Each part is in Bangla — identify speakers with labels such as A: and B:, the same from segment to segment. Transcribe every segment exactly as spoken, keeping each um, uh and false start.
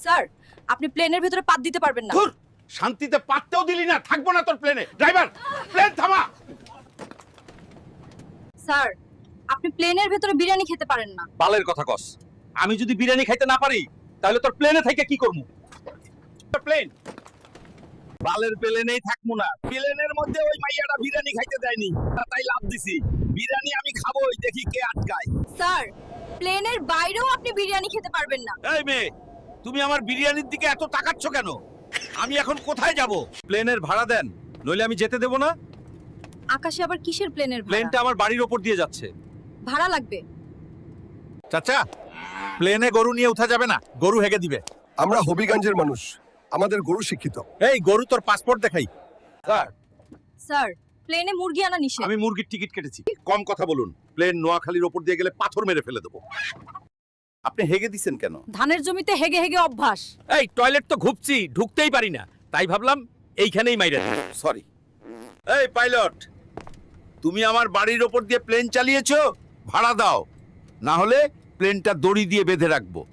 A: স্যার আপনি প্লেনের ভেতরে পাত দিতে পারবেন না।
B: ধুর, শান্তিতে পাততেও দিলি না, থাকবো না তোর প্লেনে। ড্রাইভার, প্লেন থামা।
A: স্যার আপনি প্লেনের ভেতরে বিরিয়ানি খেতে পারেন না।
B: বালের কথা কস। আমি যদি বিরিয়ানি খাইতে না পারি তাহলে তোর প্লেনে থেকে কি করব? প্লেন বালের প্লেনেই থাকবো না। প্লেনের মধ্যে ওই মাইয়াটা বিরিয়ানি খাইতে দেয়নি, তাই লাভ দিছি। বিরিয়ানি আমি খাবোই, দেখি কে আটকায়।
A: স্যার প্লেনের বাইরেও আপনি বিরিয়ানি খেতে পারবেন না।
B: এই মেয়ে, তুমি আমার বিরিয়ানির দিকে এত তাকাচ্ছ কেন? আমি এখন কোথায় যাব? প্লেনের ভাড়া দেন, নইলে আমি যেতে দেব না।
A: আকাশে আবার কিসের প্লেনের
B: প্লেনটা
A: ভাড়া?
B: আমার বাড়ির ওপর দিয়ে যাচ্ছে।
A: ভাড়া লাগবে।
B: চাচা, প্লেনে গরু নিয়ে উঠা যাবে না, গরু হেগে দিবে।
C: আমরা হবিগঞ্জের মানুষ, আমাদের গরু শিক্ষিত।
B: এই গরু, তোর পাসপোর্ট দেখাই। স্যার,
A: স্যার প্লেনে মুরগি আনা নিষেধ।
B: আমি মুরগির টিকিট কেটেছি। কম কথা বলুন, প্লেন নোয়াখালীর ওপর দিয়ে গেলে পাথর মেরে ফেলে দেবো। আপনি হেগে দিছেন কেন?
A: ধানের জমিতে হেগে হেগে অভ্যাস।
B: এই টয়লেট তো ঘুপছি, ঢুকতেই পারি না, তাই ভাবলাম এইখানেই মাইরা দিই। সরি। এই পাইলট, তুমি আমার বাড়ির ওপর দিয়ে প্লেন চালিয়েছো, ভাড়া দাও, না হলে প্লেনটা দড়ি দিয়ে বেঁধে রাখবো।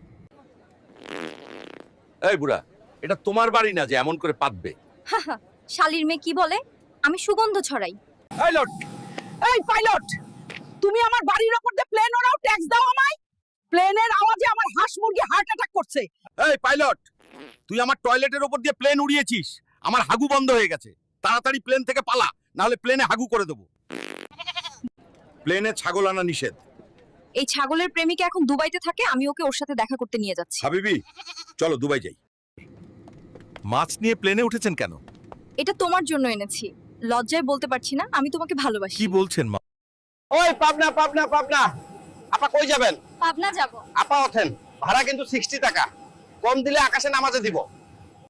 B: এই বুড়া, এটা তোমার বাড়ি না যে এমন করে পাতবে।
A: শালির মেয়ে কি বলে? আমি সুগন্ধ ছড়াই।
B: পাইলট,
D: এই পাইলট, তুমি আমার বাড়ির উপর দিয়ে প্লেন ওড়াও, ট্যাক্স দাও আমায়। প্লেনের আওয়াজে আমার হাঁস মুরগি হার্ট অ্যাটাক করছে।
B: এই পাইলট, তুই আমার টয়লেটের ওপর দিয়ে প্লেন উড়িয়েছিস, আমার হাগু বন্ধ হয়ে গেছে। তাড়াতাড়ি প্লেন থেকে পালা, না হলে প্লেনে হাগু করে দেবো। প্লেনে ছাগল আনা নিষেধ।
A: এই ছাগলের প্রেমিকা এখন দুবাইতে থাকে, আমি ওকে ওর সাথে দেখা করতে নিয়ে যাচ্ছি।
B: হাবিবি, চলো দুবাই যাই। মাছ নিয়ে প্লেনে উঠেছেন কেন?
A: এটা তোমার জন্য এনেছি। লজ্জায় বলতে পারছি না, আমি তোমাকে ভালোবাসি।
B: কি বলছেন মা?
E: ওই পাবনা পাবনা পাবনা, আপা কই যাবেন?
A: পাবনা যাব।
E: আপা ওঠেন, ভাড়া কিন্তু সিক্সটি টাকা, কম দিলে আকাশে নামাজে দিব।